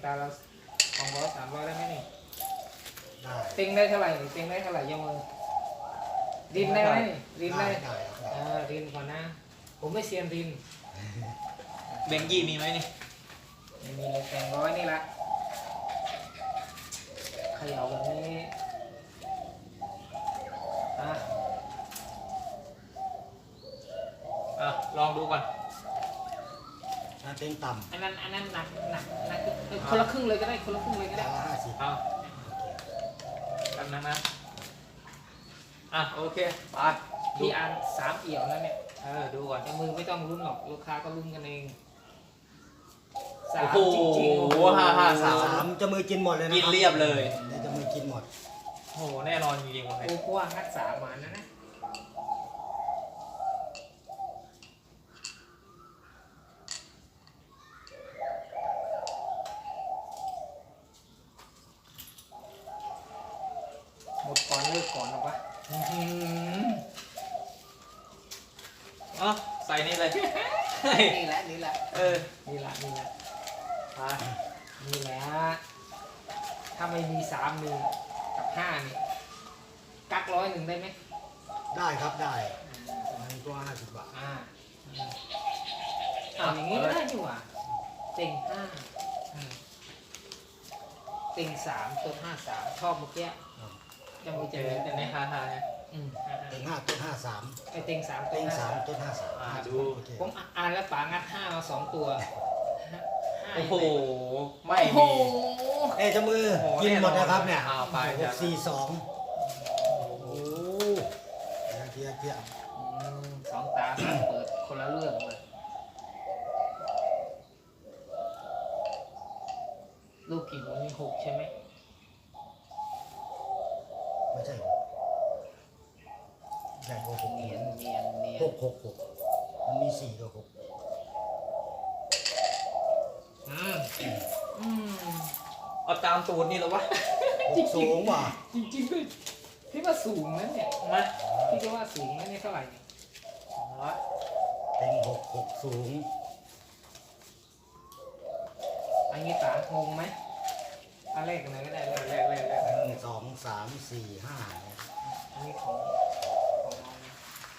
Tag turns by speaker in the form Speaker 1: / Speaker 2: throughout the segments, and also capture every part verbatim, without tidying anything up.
Speaker 1: ตาเราสองร้อยสามร้อยได้ไหมนี่
Speaker 2: ได้
Speaker 1: เต็งได้เท่าไหร่นี่เต็งได้เท่าไหร่ยกมือรินได้ไหมนี่รินได้
Speaker 2: ได้
Speaker 1: อ่ารินก่อนนะ ผมไม่เซียนริน
Speaker 3: แบงค์ยี่มีไหมนี่
Speaker 1: ไม่มีเลยแต่งร้อยนี่ละเขย่าแบบนี้อ่ะ
Speaker 3: อ่ะลองดูก่อน
Speaker 2: ถ้าเต็งต่ำ
Speaker 1: อันนั้นอันนั้นหนักหนักหนักเอ้ยคนละครึ่งเลยก็ได้คนละครึ่งเลยก็
Speaker 2: ได้
Speaker 1: ได้
Speaker 2: ห้าสิบ
Speaker 3: เอากันนะนะอ่ะโอเคไปดู
Speaker 1: พี่อ่านสามเอี่ยวแล้วเนี่ย
Speaker 3: เออดูก่อน
Speaker 1: แต่มือไม่ต้องลุ้นหรอกลูกค้าก็ลุ้นกันเองสา
Speaker 3: โอ้
Speaker 1: ม
Speaker 3: โห
Speaker 1: จริงๆโอ้โห
Speaker 3: ห้าห้าสาม
Speaker 2: สามจะมือกินหมดเลยนะ
Speaker 3: กินเรียบเลย
Speaker 2: เดี๋ยวจะมือกินหมด
Speaker 3: โอ้โหแน่นอนจริงๆวันนี้
Speaker 1: โอ้กว่างัดสามหวานนะนะหมดก่อนเลิกก่อนหรอวะ
Speaker 3: อื้อหืออ๋อใส่นี่เลยเฮ้ย
Speaker 1: นี่แหละนี่แหละ
Speaker 3: เออ
Speaker 1: นี่แหละนี่แหละ
Speaker 3: ไป
Speaker 1: นี่แหละถ้าไม่มีสามมีกับห้านี่กักร้อยหนึ่งได้ไหม
Speaker 2: ได้ครับได้มันก็ห้าสิบบาท
Speaker 1: อ่าอ่าอย่างนี้ก็ได้ดีกว่าเต็งห้า
Speaker 3: อืม
Speaker 1: เต็งสามตัวห้าสามชอบเมื่อกี้ยัง
Speaker 3: โอ
Speaker 1: มี
Speaker 3: เค
Speaker 1: จะมี
Speaker 3: แต่
Speaker 1: แต่
Speaker 3: ใน
Speaker 1: ใน
Speaker 3: ฮาฮาเนี่ย
Speaker 1: อืมอ่า
Speaker 2: เต็งห้าต้นห้าสาม
Speaker 1: ไอเต็งสามตัว
Speaker 2: เต็ง
Speaker 1: ห้า
Speaker 2: สาม
Speaker 1: สาม
Speaker 2: ต้นห้าสาม
Speaker 3: อ่าดู
Speaker 2: โอเค
Speaker 1: ผมอ่านแล้วป๋างัดห้ามาสองตัวห้า
Speaker 3: โอ้โหไม่
Speaker 1: โอ้โห
Speaker 3: มี
Speaker 2: เอ้ยเจะมือ
Speaker 3: โอ้โห
Speaker 2: กินหมดนะครับเนี่ย
Speaker 3: เอาไป
Speaker 2: หกสี่สองโอ้เกียร์เกียร์
Speaker 1: อืมสองตาเปิดคนละเรื่องเลยลูกกี่หมุนมีหกใช่ไหม
Speaker 2: ไม่ใช่ใหญ่กว่าหก
Speaker 1: เนียนเนียนเนียน
Speaker 2: หกหกหกมันมีสี่กับหก
Speaker 3: อืม
Speaker 1: อืม
Speaker 3: เอาตามตูดนี่เหรอวะ
Speaker 2: หกสูงว่ะ
Speaker 1: จริงๆด้วยพี่ว่าสูงนะเนี่ย
Speaker 3: มา
Speaker 1: พี่ก็ว่าสูงนะเนี่ยเท่าไหร่เนี่ย
Speaker 3: ร้อย
Speaker 2: เต็งหกหกสูง
Speaker 1: อันนี้ตางงไหมอันแรกกันไหนก็ได้เล
Speaker 3: แร
Speaker 1: ย
Speaker 3: กแรกแรก
Speaker 2: หนึ่งสองสามสี่ห้าเนี่ย
Speaker 1: อันนี้ของของน้องนะ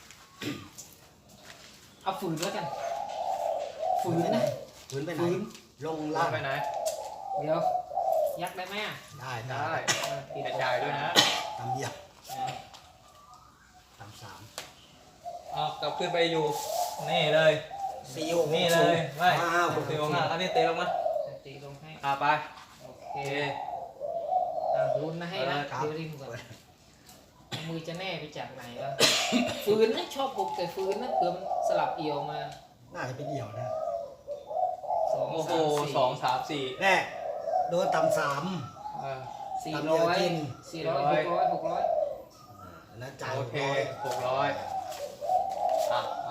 Speaker 1: เอาฝืนแล้วกันฝืนนะ
Speaker 2: ฝืนไปไหน
Speaker 1: ฝืน
Speaker 2: ลง
Speaker 3: ล่า
Speaker 2: ล่าง ง
Speaker 3: ไปไหน
Speaker 1: เดี๋ยว ยักได้ไหมอ่ะ
Speaker 2: ได้ได้
Speaker 3: ได้
Speaker 1: เออปิด
Speaker 3: กระจายด้วยนะ
Speaker 2: ตำเดียว
Speaker 1: เออ
Speaker 2: ตำสาม
Speaker 3: เอากลับขึ้นไปอยู่ นี่เลย
Speaker 2: สี่หก
Speaker 3: นี่เลยไม่
Speaker 2: อ้าว
Speaker 3: หกสิบหกห้าอันนี้เตะลงมา
Speaker 1: ตีลงให้
Speaker 3: อ่าไป
Speaker 1: โอเค
Speaker 3: โอเค
Speaker 1: อ่ะลุ้นนะให้นะ
Speaker 2: ครับ
Speaker 1: เดี๋ยวริมก่อนมือจะแน่ไปจากไหนวะฝืนนะชอบบุกแต่ฝืนนะเผื่อมันสลับเอี่ยวมา
Speaker 2: น่าจะเป็นเดี่ยวนะ
Speaker 1: สอง
Speaker 3: โอ้โห
Speaker 1: สามสี่
Speaker 3: สองสามสี่
Speaker 2: แน่โดนตำสาม
Speaker 3: เออ
Speaker 1: สี่
Speaker 2: ตามเดี
Speaker 1: ร้
Speaker 2: ยว
Speaker 1: อย
Speaker 2: กิน
Speaker 1: สี่ร้อยหกร้อยหกร้อย
Speaker 2: แล้วจ่าย
Speaker 3: โอ
Speaker 2: หก
Speaker 3: เค
Speaker 2: ร้อย
Speaker 3: หกร้อยอ่ะมา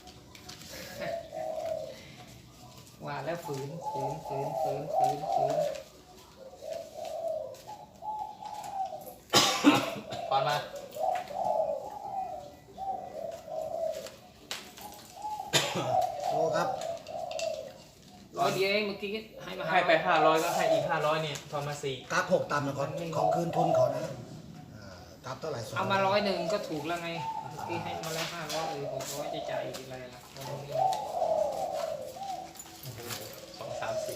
Speaker 1: ว่าแล้วฝืนฝืนฝืนฝืนฝืนฝืน
Speaker 3: อ่ะก่อนมา
Speaker 2: โอ้ครับ
Speaker 1: ร้อยเดียวเองเมื่อกี้ให้มา
Speaker 3: ให้ไปห้าร้อยก็ให้อีกห้าร้อยนี่ทอนมาสี่
Speaker 2: กราฟหกตำนะก่อนขอคืนทุนเขานะอ่ากราฟเท่าไหร่สอง
Speaker 1: เอามาร้อยหนึ่งก็ถูกแล้วไงเมื่อกี้ให้มาแล้วห้าร้อยเออหกร้อยจะจ่ายอีกอะไรล่ะวันนี้
Speaker 3: สองสามสี่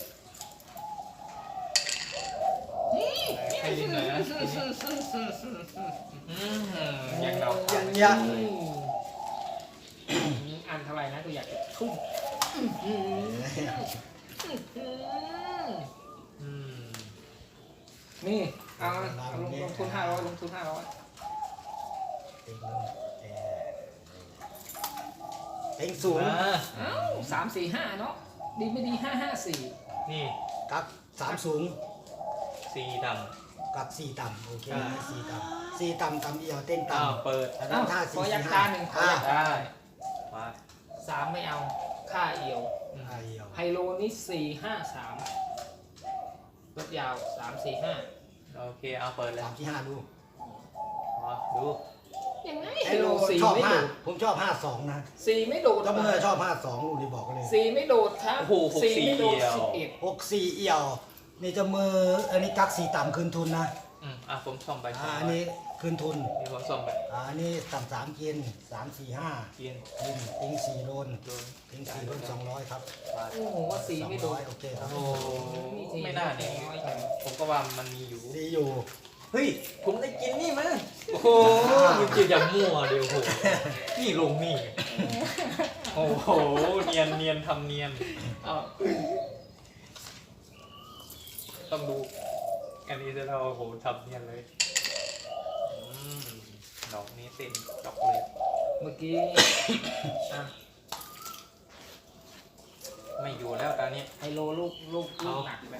Speaker 3: ให้ลิ้นหน่อยนะทีนี้อืมยังเดา
Speaker 2: ยั
Speaker 3: ทาง ง
Speaker 2: ยั
Speaker 1: อืมอันเท่าไหร่นะกูอยากจะทุ่มอืมอืมนี่เอาเอาลงลงทุนห้าร้อยลงทุนห้าร้อย
Speaker 2: เต็งเอ่อเต็งสูง
Speaker 3: อ่า
Speaker 1: เอ้าสามสี่ห้าเนาะดีไม่ดีห้าห้าสี่
Speaker 3: นี่
Speaker 2: กักสามสูง
Speaker 3: สี่ด
Speaker 2: กักสี่ต่ำโอเค
Speaker 3: อ่า
Speaker 2: สี่ต่ำสี่ต่ำต่ำเดียวเต็ง
Speaker 3: ำอ้าว
Speaker 2: ต่ำ
Speaker 3: เปิด
Speaker 2: แล้ว
Speaker 1: เอ้า
Speaker 2: ห้า
Speaker 1: ข
Speaker 2: สี่
Speaker 1: อยั
Speaker 2: สี่
Speaker 1: ก
Speaker 2: ห้า
Speaker 1: ตาหนึ่งขอ
Speaker 2: อ่า
Speaker 1: ยัก
Speaker 3: ได้มา
Speaker 1: สามไม่เอาค่าเอียว
Speaker 2: ห้าเดียว
Speaker 1: ไฮโลนี่สี่ห้าสามรถยาวสามสี่ห้า
Speaker 3: โอเคเอาเปิดเลย
Speaker 2: สามที่ห้าดู
Speaker 3: อ๋อดู
Speaker 1: ยังไงไฮ
Speaker 2: ไอ้
Speaker 1: โล
Speaker 2: โล
Speaker 1: สี่
Speaker 2: ชอบ
Speaker 1: ไม่
Speaker 2: ห้า
Speaker 1: โดด
Speaker 2: ผมชอบห้าสองนะ
Speaker 1: สี่ไม่โดด
Speaker 2: ถ้าเมื่อชอบห้าสองลูกนี่บอกกันเลย
Speaker 1: สี่ไม่โดดครับ
Speaker 3: โอ้โหหกสี่
Speaker 1: ไม่โดด
Speaker 3: เดียว
Speaker 1: สิบเอ็ด
Speaker 2: หกสี่เอี่ยวนี่จะมืออันนี้กักสี่ต่ำคืนทุนนะ
Speaker 3: อืมอ่ะผมซ่อมไป
Speaker 2: อ่าอันนี้คืนทุน
Speaker 3: นี่ผมซ่อมไป
Speaker 2: อ่าอันนี้ต่ำสามกินสามสี่ห้า
Speaker 3: กิน
Speaker 2: กินติงสี่โดน
Speaker 3: โดน
Speaker 2: ติงสี่โดนสองร้อยครับ
Speaker 3: บาท
Speaker 1: โอ้โหว่าสี
Speaker 2: สอง
Speaker 1: ไม่โด
Speaker 2: ร้อน ยโอเคครับ
Speaker 3: โอ้ไม่น่าเนี่ยผมก็ว่ามันมีอยู่
Speaker 2: ดีอยู่
Speaker 3: เฮ้ย ผมได้กินนี่มาโอ้โหมันจะอย่ามั่วเดี๋ยวโหนี่ลงนี่ โอ้โห เนียนเนียนทำเนียนอ้าวต้องดู อันนี้จะเราโอ้โหทำเนียนเลยอืมดอกนี้เต็มดอกเลย
Speaker 1: เมื่อกี้อ่ะ
Speaker 3: ไม่อยู่แล้วตอนนี้
Speaker 1: ไฮโลลูกลูกลูกหนักแบบ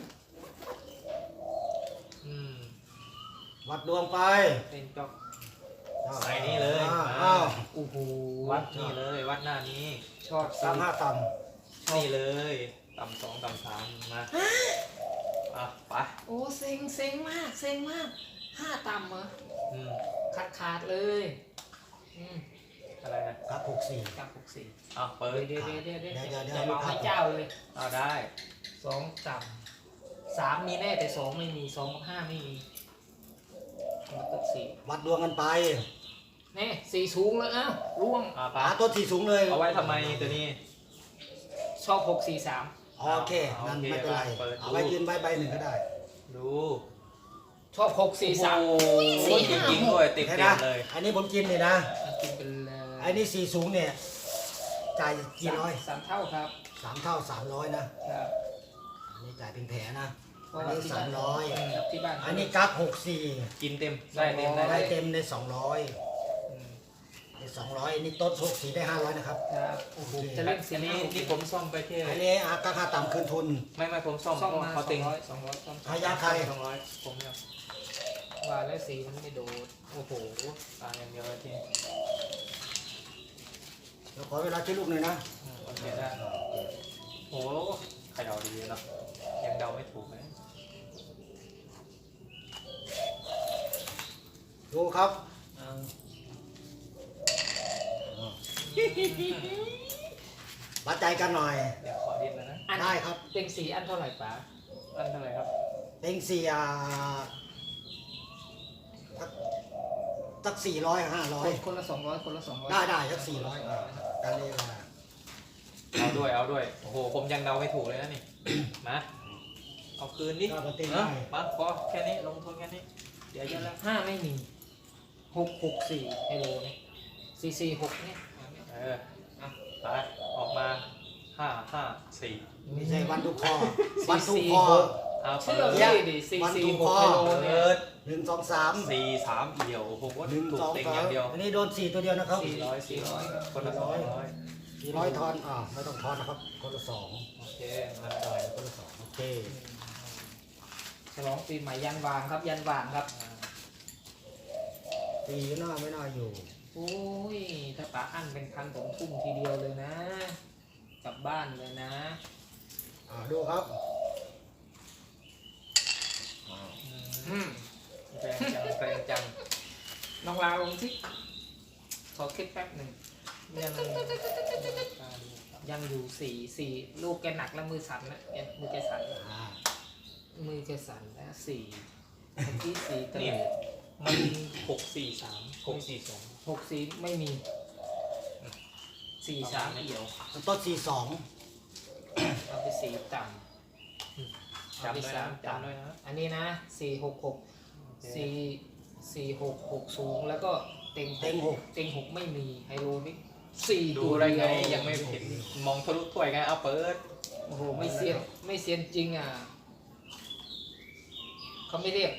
Speaker 3: อืม
Speaker 2: วัดดวงไป
Speaker 1: เป็นจอก
Speaker 3: ใส่นี่เลย
Speaker 2: อ้าว
Speaker 3: มา
Speaker 2: อ้าว
Speaker 1: โอ้โห
Speaker 3: วัดนี่เลย วัดหน้านี้
Speaker 1: ชอบ
Speaker 2: สามห้าต่
Speaker 3: นี่เลย ต่ำสองต่ำสามมาอ่ะไป
Speaker 1: โอ้เซ็งเซ็งมากเซ็งมากห้าต่ำเหรอ
Speaker 3: อืม
Speaker 1: ขาดขาดเลยอืม
Speaker 3: อะไรนะ
Speaker 2: ำกักหกสี่
Speaker 1: เก้าหกสี่
Speaker 3: อ่ะเปิด
Speaker 1: เดี๋ยวเดี๋ยวเดี๋ยวเดี๋ยว
Speaker 2: เดี๋ยวเดี๋ยว
Speaker 1: จะเอาให้เจ้าเลย
Speaker 3: เอาได้
Speaker 1: สองต่ำสามมีแน่แต่สองไม่มีสองกับห้าไม่มีมันก็สี่
Speaker 2: วัดดวงกันไป
Speaker 1: แน่สี่สูงแล้วอ้าวร่วง
Speaker 3: อ่ะไป
Speaker 2: หาตัวที่สูงเลย
Speaker 3: เอาไว้ทำไมตัวนี้
Speaker 1: ชอบหกสี่สาม
Speaker 2: โอเคนั่นไม่เป็นไร
Speaker 3: เปิดดู
Speaker 2: เอาไว้ยืนใบใบหนึ่งก็ได้
Speaker 3: ดู
Speaker 1: ชอบหกสี่สาม
Speaker 3: โอ้โหจริงๆด้วยเต็ม
Speaker 2: เห็น
Speaker 3: เต็
Speaker 2: นะ
Speaker 3: มเลย
Speaker 2: อันนี้ผมกินเลยนะ
Speaker 1: กินเป็นเลย
Speaker 2: อันนี้สี่สูงเนี่ยจ่ายกี่ร้อย
Speaker 1: สามเท่าครับ
Speaker 2: สามเท่าสามร้อยนะครับ อันนี้จ่ายเป็นแผลนะ
Speaker 1: เพราะ
Speaker 2: อัน
Speaker 1: ว่า
Speaker 2: นี้
Speaker 1: ที่
Speaker 2: สา
Speaker 1: บ้าม น
Speaker 2: ร้อย
Speaker 1: ครับที่บ้าน
Speaker 2: อันนี้กักหกสี่
Speaker 3: กินเต็มได้เต็มได้
Speaker 2: ได้
Speaker 3: ได้
Speaker 2: เต็มในสองร้อย
Speaker 3: อืม
Speaker 2: ในสองร้อยอันนี้ต้นหกสี่ได้ห้าร้อยนะครับ
Speaker 1: ครับโอ้โหจะ
Speaker 3: อั
Speaker 1: เล่
Speaker 3: น
Speaker 1: นเสียง
Speaker 3: นี้
Speaker 1: นี้
Speaker 3: นี่ผมซ่อมไปแค่
Speaker 2: อันนี้อากักค่าต่ำคืนทุน
Speaker 3: ไม่ไม่ผมซ่อม
Speaker 1: ซ่อม
Speaker 3: เพราะ
Speaker 1: มาส
Speaker 3: เขา
Speaker 1: อ
Speaker 3: เต็
Speaker 1: ง
Speaker 3: ง
Speaker 1: ร้อยสองร้อยซ่อม
Speaker 2: พยาไทย
Speaker 3: สองร้อยผมเนี่ย
Speaker 1: ว่าแล้วสีมันไม่โดด
Speaker 3: โอ้โหตายอย่างเดียวเลยที
Speaker 2: เดี๋ยวขอเวลาคิดลูกหน่อยนะ
Speaker 3: อืมโอเคได้โอ้โหใครเดาดีเนาะยังเดาไม่ถูกเลย
Speaker 2: ดูครับ
Speaker 1: เอา
Speaker 2: วัดใจกันหน่อย
Speaker 3: เดี๋ยวขอดิ้นแล้วนะ
Speaker 1: อัน
Speaker 2: ได้ครับ
Speaker 1: เต็งสีอันเท่าไหร่ป๋า
Speaker 3: อันเท่าไหร่ครับ
Speaker 2: เต็งสี่อ่าสักสักสี่ร้อยห้าร้อ
Speaker 1: ค
Speaker 2: ย
Speaker 1: นคนละสองร้อยคนละสองร้อย
Speaker 2: ได้ได้สักสี่ร้อยกันเลยว่า
Speaker 3: เอาด้วยเอาด้วยโอ้โหผมยังเดาไม่ถูกเลยนะนี่ มาเอาคืนดิ
Speaker 2: ก็เต็ง
Speaker 3: เอ
Speaker 2: ได้
Speaker 3: อมาพอแค่นี้ลงทุนแค่นี้เดี๋ยวจะแล้ว
Speaker 1: ห้าไม่มีหกหกสี่ไฮโลเนี่ยสี่สี่หกเนี่ย
Speaker 3: เอออ่ะไปออกมาห้าห้าสี่
Speaker 2: ไม่ใช่วันทุกคอวันทุกคอ
Speaker 3: เอาเปิ
Speaker 1: เชื่อ
Speaker 3: ด
Speaker 1: พี่ดิสี่สี่หกไฮโลเนี่ย
Speaker 3: เปิด
Speaker 2: หนึ่งสองสาม
Speaker 3: สี่สามเดียวโอ้โห
Speaker 2: หนึ่ง
Speaker 3: ถูก
Speaker 2: สอง
Speaker 3: เต็ง
Speaker 2: สา
Speaker 3: อ
Speaker 2: ม
Speaker 3: ย่างเดียว
Speaker 2: อันนี้โดนสี่ตัวเดียวนะครับ
Speaker 3: สี่ร้อยสี่ร้อยคนละสองร้อย
Speaker 2: สี่ร้อยทอนอ่าไม่ต้องทอนนะครับ คนละสอง
Speaker 3: โอเคมา
Speaker 2: ต่อยคนละสองโอเค
Speaker 1: ฉลองปีใหม่ยันวางครับยันวางครับ
Speaker 2: ตีก็น่าไม่น่าอยู่
Speaker 1: โอ้ยถ้าป๋าอั้นเป็นพันผมทุ่มทีเดียวเลยนะ กลับบ้านเลยนะ
Speaker 2: อ่าดูครับอ่า
Speaker 1: อืม
Speaker 3: แรงจังแรงจัง
Speaker 1: น้องลาลงสิขอคิดแป๊บหนึ่งยังยังอยู่สี่สี่ลูกแกหนักแล้วมือสั่นนะแกมือแกสั่นแล้ว
Speaker 2: อ่า
Speaker 1: มือแกสั่นแล้วสี่เมื่อกี้สี่ตะ
Speaker 3: นี่
Speaker 1: เลิด
Speaker 3: มันหกสี่สามหกสี่สอง
Speaker 1: หกสี่ไม่มีสี่สามเอี่ยว
Speaker 2: ต้นสี่สอง
Speaker 1: เอาไปสี่ต่ำเอา
Speaker 3: จำ
Speaker 1: ไป
Speaker 3: ด้วย
Speaker 1: สา
Speaker 3: นะ
Speaker 1: ม
Speaker 3: จำด้วย
Speaker 1: ต่ำ
Speaker 3: นะ
Speaker 1: อันนี้นะสี่หกหก
Speaker 3: โอเค
Speaker 1: สี่สี่หกหกสูงแล้วก็เต็ง
Speaker 2: เต็งหก
Speaker 1: เต็งหกไม่มีไฮโลนี่สี่
Speaker 3: ดู
Speaker 1: ตัว
Speaker 3: ได้ไง
Speaker 1: เดีว
Speaker 3: ยังไม่เห็นมองทะลุถ้วยไงเอาเปิด
Speaker 1: โอ้โหไม่เซียนไม่เซียนจริงอ่ะเขาไม่เรียก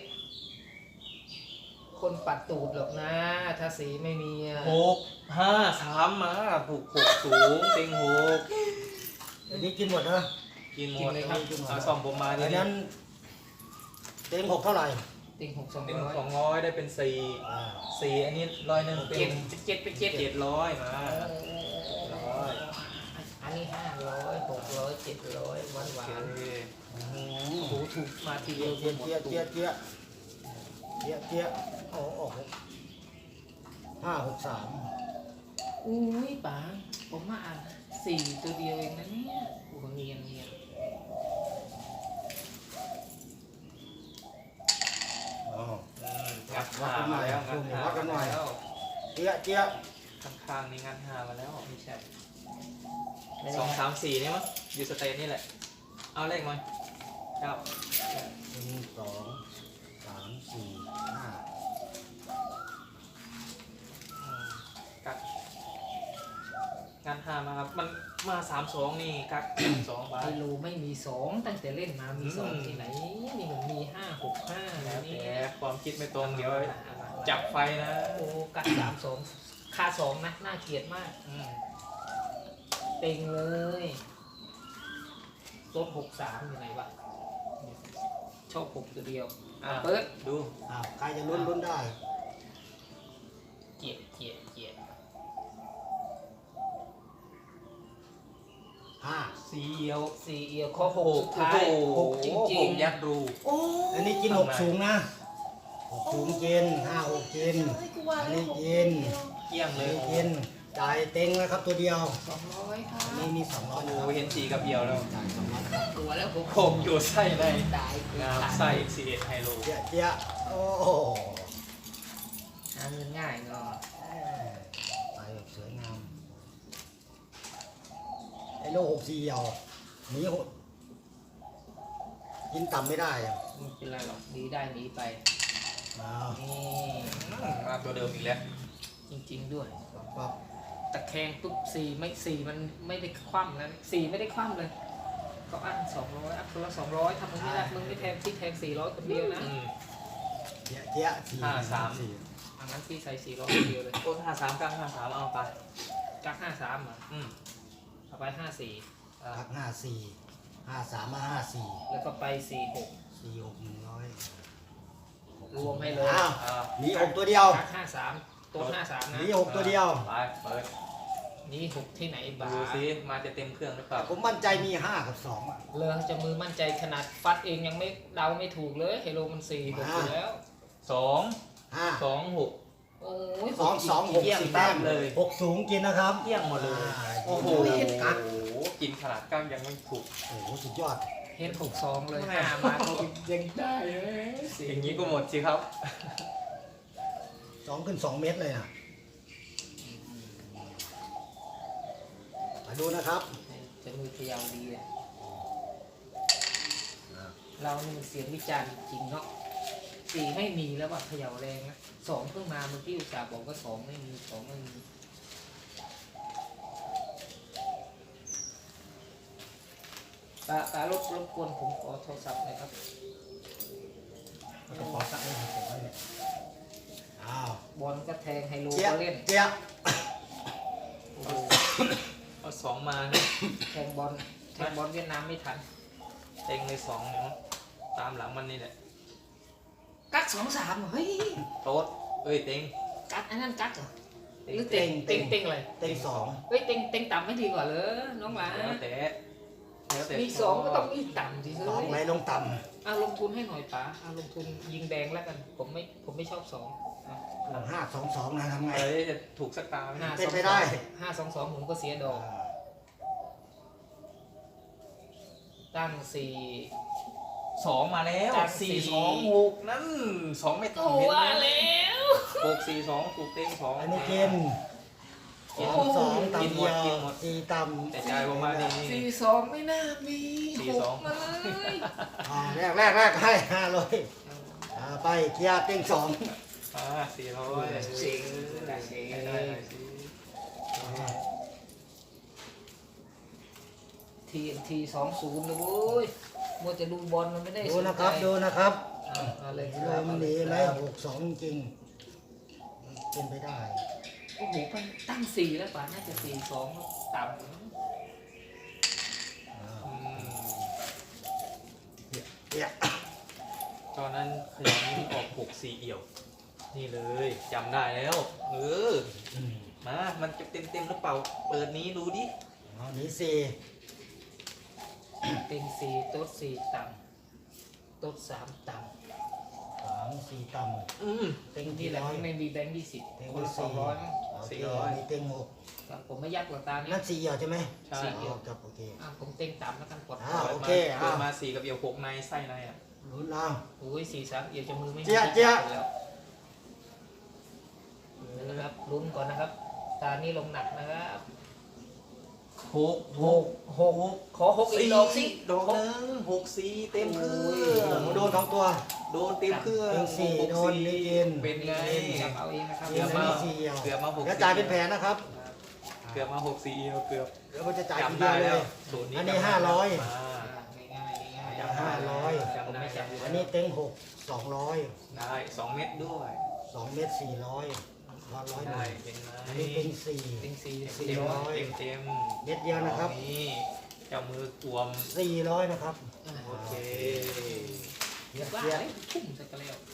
Speaker 1: คนปัดตูดหรอกนะ ถ้าสีไม่มีอ่ะ
Speaker 3: หกห้าสามมาถูกหกสูงเต็งหก
Speaker 2: อันนี้กินหมดนะ
Speaker 3: กินหมดเอาซองผมมาที
Speaker 2: อัน
Speaker 3: นี้
Speaker 2: นั้นเต็งหกเท่าไหร่
Speaker 1: เต็งหกสอง
Speaker 3: เต็ง
Speaker 1: ร้อย
Speaker 3: สองร้อยได้เป็นสี่
Speaker 2: อ่า
Speaker 3: สี่อันนี้ร้อยหนึ่งเป็
Speaker 1: เจ็ด
Speaker 3: น
Speaker 1: เจ็ดไปเจ็ด
Speaker 3: เจ็ดร้อยมา
Speaker 1: ร้อยอันนี้ห้าร้อยหกร้อยเจ็ดร้อยหวานห
Speaker 3: โอ
Speaker 1: วา
Speaker 3: เคน
Speaker 1: โอ้โหถูกมาทีเดียว
Speaker 2: เจี๊ย
Speaker 1: หมด
Speaker 2: เจี๊ย
Speaker 1: ตู
Speaker 2: เจี๊ย
Speaker 1: ด
Speaker 2: เจี๊ยเจี๊ยเจี๊ยโอ้โหห้าหกสาม
Speaker 1: อุ้ยป๋าผมมาอ่านสี่ตัวเดียวเองนะเนี่ยโอ้โหเนียนเนียน
Speaker 2: เจี๊ยเจี๊ย
Speaker 3: ข้างๆนี่งานห้ามาแล้ว
Speaker 1: ไม่ใช่ไม่
Speaker 3: ส
Speaker 1: ได้
Speaker 3: องสามสี่นี่มั้งอยู่สเตนนี่แหละเอาเลขมาเก้า
Speaker 2: หนึ่งสองสามสี่ห้า
Speaker 3: อืมกักงานห้ามาครับมันมาสามสองนี่กัก สองใบ
Speaker 1: ไฮโลไม่มีสองตั้งแต่เล่นมามีสอง
Speaker 3: อืม
Speaker 1: ที่ไหนนี่มันมีห้าหกห้า
Speaker 3: แล้ว
Speaker 1: นี่
Speaker 3: แต่ความคิดไม่ตรงเดี๋ยวจับไฟนะ
Speaker 1: โอ้กัดสามสองค่าสองนะน่าเกลียดมาก
Speaker 3: อืม
Speaker 1: เต็งเลยลดหกสามอยู่ไหนวะชอบหกตัวเดียว
Speaker 3: อ่ะ
Speaker 1: เปิด
Speaker 3: ดู
Speaker 2: อ้าวใครจะลุ้นลุ้นได้
Speaker 1: เกลียดเกลียดเกลียด
Speaker 2: ห้า
Speaker 3: สีเอียว
Speaker 1: สี่เอียวข้อหกสุดท้ายหกจริง
Speaker 3: ๆยัดรู
Speaker 1: ๆโอ้
Speaker 2: อันนี้กินหกสูงนะหกสูงกินห้าหกกินอันนี้กิน
Speaker 3: เกี่ยง
Speaker 2: อัน
Speaker 3: เลย
Speaker 2: นี้กินจ่ายเต็งนะครับตัวเดียว
Speaker 1: สองร้อยค่ะ
Speaker 2: อันนี้มีสองร้อย
Speaker 3: โอ้
Speaker 2: นะ
Speaker 3: โห
Speaker 2: ครับ
Speaker 3: เห็นสีกับเอียวแล้ว
Speaker 2: จ่ายสองร้อยนะครับ
Speaker 1: ตัวแล้วผม
Speaker 3: ผมอยู่ไส้ใน
Speaker 1: ตายคือง
Speaker 3: าม
Speaker 1: ขาด
Speaker 3: ไส้สีเอ็ดไฮโล
Speaker 2: เจี๊ยเจี๊ยโอ้โห
Speaker 1: หาเงินง่ายเนาะ
Speaker 2: ไปแบบสวยงามไอ้โลหกสี่เหี่ยวหนีหดกินต่ำไม่ได้อะ
Speaker 1: ไม่เป็นไรหรอกดีได้หนีไป
Speaker 2: อ้าว
Speaker 1: นี่
Speaker 3: มาตัวเดิมอีกแล้ว
Speaker 1: จริงๆด้วย
Speaker 2: ปั๊บ
Speaker 1: ตะแคงปุ๊บสี่ไม่สี่มันไม่ได้คว่ำนะสี่ไม่ได้คว่ำเลยก็อันสองร้อยอันคนละสองร้อยทำมึงไม่ได้มึงไม่แทงที่แทงสี่ร้อยคนเดียวนะ
Speaker 3: อืม
Speaker 2: เจี๊ยเจี๊ยสี่
Speaker 3: ห้าสาม
Speaker 2: สี่
Speaker 1: อันนั้นพี่ใส่สี่ร้อยคนเดียวเลย
Speaker 3: โอ้ห้าสามกลางห้าสามเอาไป
Speaker 1: กักห้าสามอ่ะ
Speaker 3: อืม
Speaker 1: เอาไปห้าสี่
Speaker 3: อ่ะ
Speaker 2: พักห้าสี่ห้าสามมาห้าสี่
Speaker 1: แล้วก็ไปสี่หก
Speaker 2: สี่หกหนึ่งร้อย
Speaker 1: รวมให้เลย
Speaker 2: อ้าว
Speaker 3: อ่ะ
Speaker 2: หนีหกตัวเดียว
Speaker 1: กักห้าสามตัวห้าสาม
Speaker 2: ห
Speaker 1: นะ
Speaker 2: นีหกตัวเดียว
Speaker 3: ไปเปิด
Speaker 1: นี่หกที่ไหนบ้า
Speaker 3: ดูซิมาจะเต็มเครื่องหรือเปล่า
Speaker 2: ผมมั่นใจมีห้ากับสองอะ
Speaker 1: เลอจะมือมั่นใจขนาดฟัดเองยังไม่เดาไม่ถูกเลยเฮโลมันสี่หกอยู่แล้ว
Speaker 3: สอง
Speaker 2: ห้า
Speaker 3: สองหก
Speaker 1: โอ้ย
Speaker 2: สองสองหก
Speaker 3: เยี่ยม
Speaker 2: สี่แต้ม
Speaker 3: เลย
Speaker 2: หกสูงกินนะครับ
Speaker 3: เที่ยงหมดเลย
Speaker 2: อ่า
Speaker 3: โอ้โห
Speaker 2: กัด
Speaker 3: กินขนาดก้างยังไม่ถูก
Speaker 2: โอ้โหสุดยอด
Speaker 1: เห็นหกสองเลย
Speaker 3: แม่
Speaker 1: ห้ามาก็ยังได้เลย
Speaker 3: อย่างนี้ก็หมดสิครับ
Speaker 2: สองขึ้นสองเมตรเลยนะมาดูนะครับ
Speaker 1: จะมือเขยาวดีเลยเรานี่มันเสียงวิจารณ์จริงเนาะสี่ไม่มีแล้วว่าเขย่าแรงนะสองเพิ่งมาเมื่อกี้อุตส่าห์บอกว่าสองไม่มีสองไม่มีตาตารบรบกวนผมขอโทรศัพท์หน่อยครับ
Speaker 2: กระเป๋าสักให้ผมไว้เนี่ยอ้าว
Speaker 1: บอลก็แทงไฮโล
Speaker 2: เจี๊ย
Speaker 1: ก็เล่น
Speaker 2: เจี๊ย
Speaker 1: โอ้โห
Speaker 3: เอาสองมา
Speaker 1: แทงบอลแทงบอลเวียดนามไม่ทัน
Speaker 3: เต็งเลยสองเนี่ยมั้งตามหลังมันนี่แหละ
Speaker 1: กักสองสามเฮ้ย
Speaker 3: โต๊ดเอ้ยเต็ง
Speaker 1: กักอันนั้นกักเหรอหรือเต็งเต็งเต็งอะไร
Speaker 2: เต็งสอง
Speaker 1: เฮ้ยเต็งเต็งต่ำไม่ดีกว่าเหรอน้องหลา
Speaker 3: แล้วแต่แล้วแต่
Speaker 1: มีสองก็ต้องมีต่ำสิเฮ้
Speaker 2: สองไหน
Speaker 1: ย
Speaker 2: ลงต่
Speaker 1: เอาลงทุนให้หน่อยป๋าเอาลงทุนยิงแดงแล้วกัน ผมไม่ผมไม่ชอบสองอ่ะ
Speaker 2: ำห้าสองสองนะทำไง
Speaker 3: เอ้ยจะถูกสักตาไหม
Speaker 1: ห้า
Speaker 2: เป็น
Speaker 1: สอง
Speaker 2: ไป
Speaker 1: ส
Speaker 2: ได้
Speaker 1: องห้าสองสองผมก็เสียดอก ตั้งสี่
Speaker 3: สองมาแล้ว
Speaker 1: จาก
Speaker 3: สี่
Speaker 1: สี่
Speaker 3: สองหกนั่นสองไม่ต้
Speaker 1: ตั
Speaker 3: องเห็น
Speaker 1: ว
Speaker 3: นะ
Speaker 1: แล้ว
Speaker 3: หกสี่สองถูกเต็งสอง
Speaker 2: อันนี้กินสองสองต่ำเดียวสี่ต่ำ
Speaker 3: แต่ใจผมมานี่
Speaker 1: สี่สองไม่น่ามี
Speaker 3: สี่
Speaker 1: ห
Speaker 3: ส
Speaker 1: ก
Speaker 3: อง
Speaker 1: มาเลย
Speaker 2: อ่าแรกแรกแรกให้ห้าเลยอ่าไปเกียร์เต็งสอง
Speaker 3: อ่าสี่ร้อย
Speaker 1: เสิงละเสิง
Speaker 3: ได้ได้ได้สิ
Speaker 1: ทีทีสองศูนย์เลยเว้ยมัวจะดูบอลมันไม่ได้
Speaker 2: ดู
Speaker 1: สน
Speaker 2: นะครับ
Speaker 1: ใจ
Speaker 2: ดูนะครับ
Speaker 1: เอาเอาเลยค
Speaker 2: ล
Speaker 1: รับ
Speaker 2: มมันดีไหมหกสองจริงเป็นไปได้
Speaker 1: โอ้โหไปตั้งสี่แล้วป่าน่าจะสี่สองต่ำ
Speaker 2: อ่า
Speaker 3: อืม
Speaker 2: เกียร์
Speaker 3: ตอนนั้นขยันออกหกสี่เอี่ยว นี่เลยจำได้แล้ว เออ
Speaker 2: อืม
Speaker 3: มา มันจะเต็มเต็มๆหรือเปล่า เปิดนี้ดูดิ
Speaker 2: เอาหนีสี่
Speaker 1: เต็งสี่โต๊ดสี่ต่ำโต๊ดสามต่
Speaker 2: สามสี่ต่
Speaker 3: อืม
Speaker 2: ำเต็ง
Speaker 1: ำ
Speaker 2: ที่
Speaker 1: นี่แหละ
Speaker 2: ร้อย
Speaker 1: ไม่มีแบงค์ยี่สิบ
Speaker 2: เต็ง
Speaker 1: คน
Speaker 2: ที่
Speaker 1: ละสอ
Speaker 2: สี่
Speaker 1: งร้อย
Speaker 2: โอเค
Speaker 3: สี่ร้อย
Speaker 2: มีเต็งหก
Speaker 1: ผมไม่ยักหรอกตานี้
Speaker 2: นั่นสี่เหี่ยวใช่ไหม
Speaker 3: ใช่
Speaker 1: สี่เอี่ยว
Speaker 2: อ๋อครับโอเค
Speaker 1: อ่ะผมเต็งต่ำแล้วกันกด
Speaker 2: อ้าว
Speaker 3: เปิด
Speaker 2: โอ
Speaker 3: มา
Speaker 2: เค
Speaker 3: เปิด
Speaker 2: อ้าว
Speaker 3: มาสี่กับเอี่ยวหกในไส้ในอ่ะ
Speaker 2: ลุ้นเอา
Speaker 1: โอ้ยสี่สามเอี่ยวจะมือไม่มี
Speaker 2: เจี๊ยะเจี๊ยะ
Speaker 1: แล้ว
Speaker 2: โ
Speaker 1: นะครับลุ้นก่อนนะครับ ตานี่ลงหนักนะครับ
Speaker 3: หก
Speaker 2: หกหก
Speaker 1: ขอหกอีกดอกสิ
Speaker 3: ดอกหนึ่งหกสี่เต็มเครื่อง
Speaker 2: โดนสองตัว
Speaker 3: โดนเต็มเครื่อง
Speaker 2: เป็นสี่
Speaker 3: หก
Speaker 2: โดน
Speaker 3: สี่
Speaker 2: นี่กิน
Speaker 3: เป็นไง
Speaker 1: จับเอาเองนะครับ
Speaker 3: เกือบมา
Speaker 2: สี่เดียว
Speaker 3: เกือบมาหก
Speaker 2: แล้วจ่ายเป็นแผนนะครับ
Speaker 3: เกือบมาหกสี่เอียวเกือบ
Speaker 2: เดี๋ยวมันจะจ่ายที
Speaker 3: จำ
Speaker 2: เดี
Speaker 3: ได้
Speaker 2: ยวเล
Speaker 3: แล้ว
Speaker 2: ย
Speaker 3: ศูนย์นี้
Speaker 2: อันนี้
Speaker 3: จำได้
Speaker 2: ห้าร้อย
Speaker 3: มา
Speaker 1: ง่ายๆง่ายๆ
Speaker 3: จำได้
Speaker 2: ห้าร้อย
Speaker 1: ผมไม่จับอยู่
Speaker 2: อัน
Speaker 1: แล้ว
Speaker 2: นี้เต็งหกสองร้อย
Speaker 3: ได้สองเม็ดด้วย
Speaker 2: สองเมตรสี่ร้อยร้อยร้อยห
Speaker 3: ได้
Speaker 2: นึ่ง
Speaker 3: เป็นไง
Speaker 2: อันนี้เป็นสี่
Speaker 1: เป็นสี่
Speaker 3: เต็ม
Speaker 1: สี่
Speaker 3: เต็ม
Speaker 1: ร้อย
Speaker 3: เต็มเต็ม
Speaker 2: เม็ดเดียวนะครับ
Speaker 3: นี่เจ้ามือกวม
Speaker 2: สี่ร้อยนะครับ
Speaker 3: โอเค
Speaker 2: เกีย
Speaker 1: ว่า
Speaker 2: เกีย
Speaker 1: เลยทุ่มใส่กันแล้ว